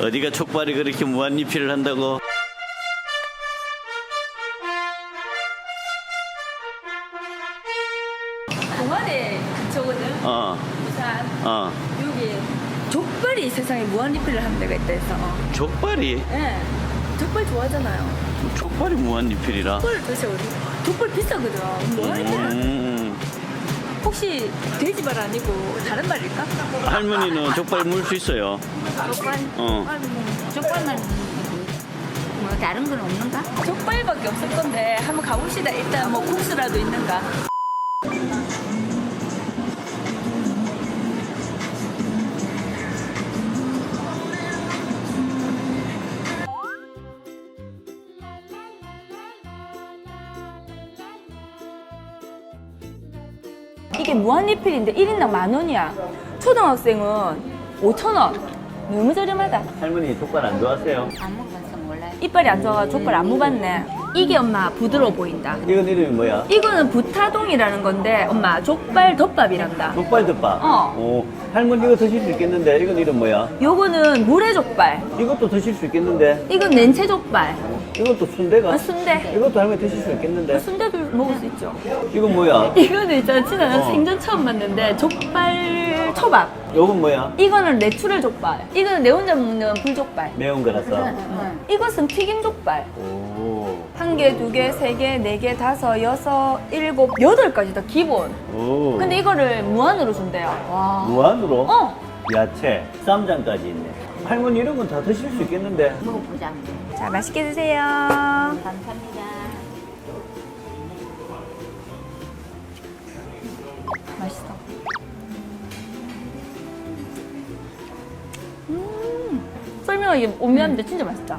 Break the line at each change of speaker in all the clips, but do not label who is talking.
어디가 족발이 그렇게 무한리필을 한다고?
동아리 근처거든. 부산. 여기 족발이 세상에 무한리필을 하는 데가 있다 해서.
족발이?
예. 족발 좋아하잖아요.
족발이 무한리필이라?
족발 드세요. 족발 비싸거든. 무한리필. 혹시 돼지발 아니고 다른 말일까?
할머니는 족발 물 수 있어요.
족발? 족발만 뭐 다른 건 없는가?
족발밖에 없을 건데 한번 가봅시다. 일단 뭐 국수라도 있는가? 이게 무한리필인데 1인당 10,000원이야. 초등학생은 5,000원. 너무 저렴하다.
할머니 족발 안 좋아하세요?
안 먹어서 몰라요.
이빨이 안 좋아가지고 족발 안 먹었네. 이게 엄마 부드러워 보인다.
이건 이름이 뭐야?
이거는 부타동이라는 건데 엄마 족발 덮밥이란다.
족발 덮밥?
어.
오, 할머니 이거 드실 수 있겠는데 이건 이름 뭐야?
요거는 물회 족발.
이것도 드실 수 있겠는데
이건 냉채 족발.
이것도 순대가?
순대.
이것도 할머니 드실 수 있겠는데
순대도 먹을 수 있죠.
이건 뭐야?
이거는 있잖아, 진짜 나
어.
생전 처음 봤는데 족발 초밥.
요건 뭐야?
이거는 내추럴 족발. 이거는 내 혼자 먹는 불족발.
매운 거라서
이것은 튀김 족발.
오.
1개, 2개, 3개, 4개, 5, 6, 7, 8까지 다 기본.
오.
근데 이거를 무한으로 준대요. 와.
무한으로?
어.
야채, 쌈장까지 있네. 할머니 이런 건 다 드실 수 있겠는데
먹어보자.
자, 맛있게 드세요.
감사합니다.
맛있어. 설명하기 오묘한데 진짜 맛있다.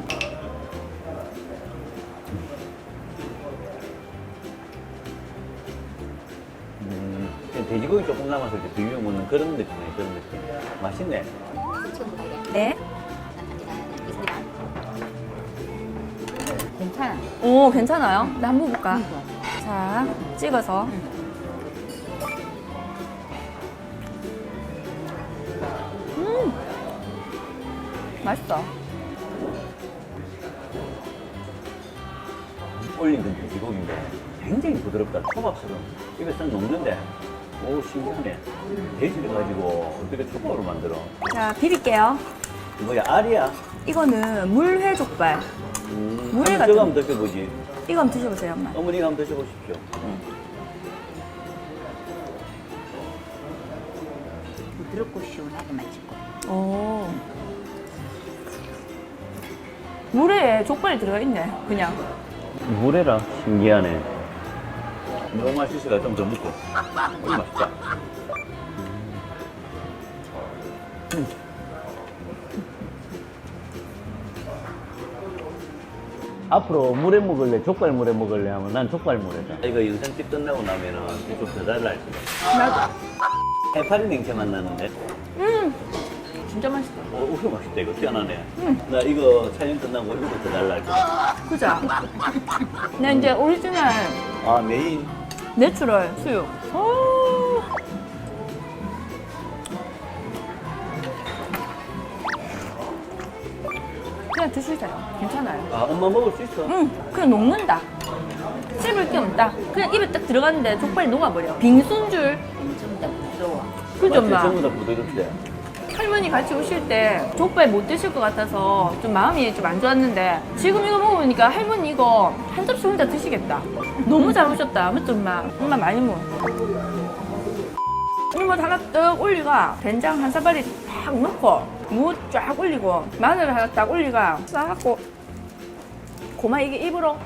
그냥 돼지고기 조금 남았을 때 비벼 먹는 그런 느낌이네. 그런 느낌. 맛있네.
네.
괜찮아.
오, 괜찮아요? 나 한번 볼까? 자, 찍어서. 맛있어.
올린 건 돼지고기인데 굉장히 부드럽다. 초밥처럼 입에 싹 녹는데 오 신기하네. 돼지를 가지고 어떻게 초밥으로 만들어?
자, 비빌게요.
뭐야 알이야?
이거는 물회 족발. 물회
한번
같은
저거 한번 드셔보지.
이거 한번 드셔보세요, 엄마.
어머니가 한번 드셔보십시오.
부드럽고 시원하게 맛있고.
오. 물회에 족발이 들어있네, 그냥.
물에라 신기하네. 너무 맛있으니까 좀 더 먹고. 이거 맛있다. 앞으로 물에 먹을래, 족발 물에 먹을래 하면 난 족발 물에다. 이거 영상집 끝나고 나면은 좀 더 달라 할 거야.
나도. 해파리
냉채 맛나는데?
진짜 맛있다.
이거 맛있다. 이거 희한하네. 나 이거 촬영 끝나고 이거 더 달라 할 거야.
그죠? 나 이제 오리지널
아, 메인.
내추럴 수육. 오. 그냥 드시세요. 괜찮아요.
아, 엄마 먹을 수 있어?
응, 그냥 녹는다. 씹을 게 없다. 그냥 입에 딱 들어갔는데 족발이 녹아버려. 빙수인 줄.
좀 더 부드러워.
그죠,
맞지?
엄마?
전부 다 부드럽대.
할머니 같이 오실 때 족발 못 드실 것 같아서 좀 마음이 좀 안 좋았는데 지금 이거 먹어보니까 할머니 이거 한 접시 혼자 드시겠다. 너무 잘 오셨다. 맞죠, 엄마? 엄마 많이 먹어. 이거 하나 떡 올리가 된장 한 사발이 탁 넣고 무 쫙 올리고 마늘 하나 딱 올리가 싹 하고 고마 이게 입으로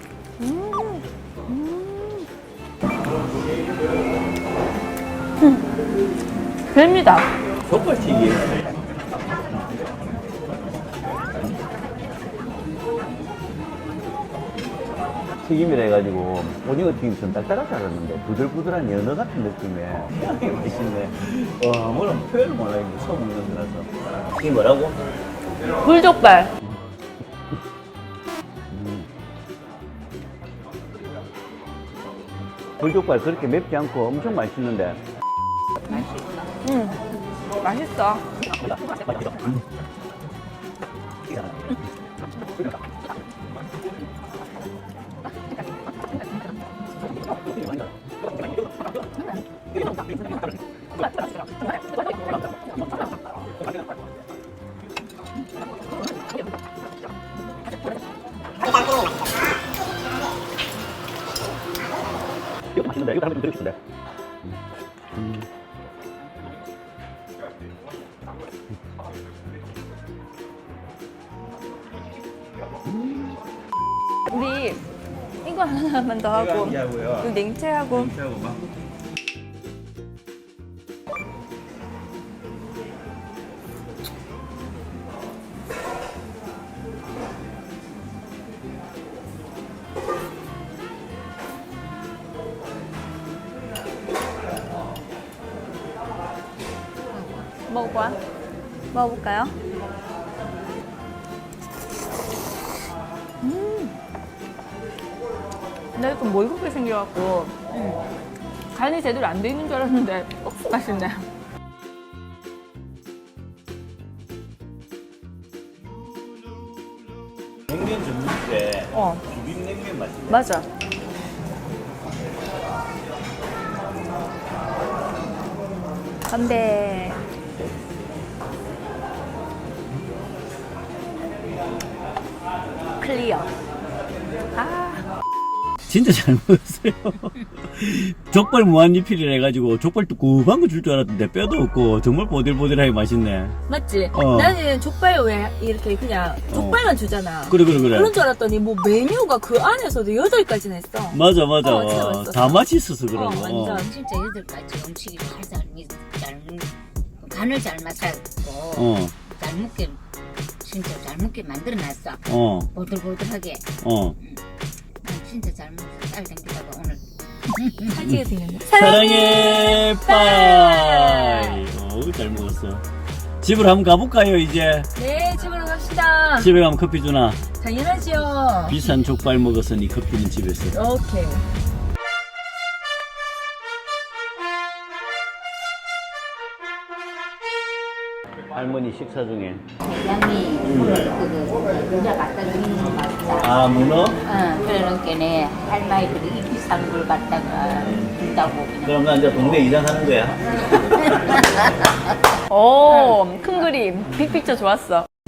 됩니다.
족발튀기. 튀김이라 해가지고 오징어 튀김처럼 딱딱하지 않았는데 부들부들한 연어 같은 느낌에 굉장히 맛있네. 와, 뭐라 표현을 못하겠는데 처음 먹는 거라서. 이게 뭐라고?
불족발.
불족발 그렇게 맵지 않고 엄청 맛있는데.
맛있어.
이거 맛있는데 이거 한번 드리고 싶은데.
우리 이거 하나만 더 하고
하고요.
이 냉채하고 먹어봐. 먹어볼까요? 나 이거 뭐 이렇게 생겨갖고 간이 제대로 안 돼 있는 줄 알았는데 억수 맛있네.
냉면 전문집에
어,
비빔냉면 맛있네.
맞아. 건배. 클리어. 아,
진짜 잘 먹었어요. 족발 무한리필이라 해가지고 족발 두꺼운 거 줄 줄 알았는데 뼈도 없고 정말 보들보들하게 맛있네.
맞지?
어.
나는 족발 왜 이렇게 그냥 족발만 주잖아.
그래.
그런 줄 알았더니 뭐 메뉴가 그 안에서도 8가지나 했어.
맞아.
진짜 맛있었어.
다 맛있어서 그런 거.
완전.
진짜 8가지 음식이 잘 간을 잘 맞았고
어.
잘 먹게 진짜 잘 먹게 만들어놨어.
어.
보들보들하게.
어.
진짜 잘 먹었어. 쌀 땡기다가 오늘.
살찌게 생겼네.
사랑해 빠이. 잘 먹었어. 집으로 한번 가볼까요 이제?
네, 집으로 갑시다.
집에 가면 커피 주나?
당연하지요.
비싼 족발 먹었으니 커피는 집에서.
오케이.
할머니 식사 중에.
회장이 오늘 그 문자 갖다 주는 거 맞자.
아 문어?
그러니까 할머니들이 이 비싼 걸 갖다가 준다고 그냥.
그럼 나 이제 동네 이장하는 거야.
오, 큰 그림. 빅픽처 좋았어.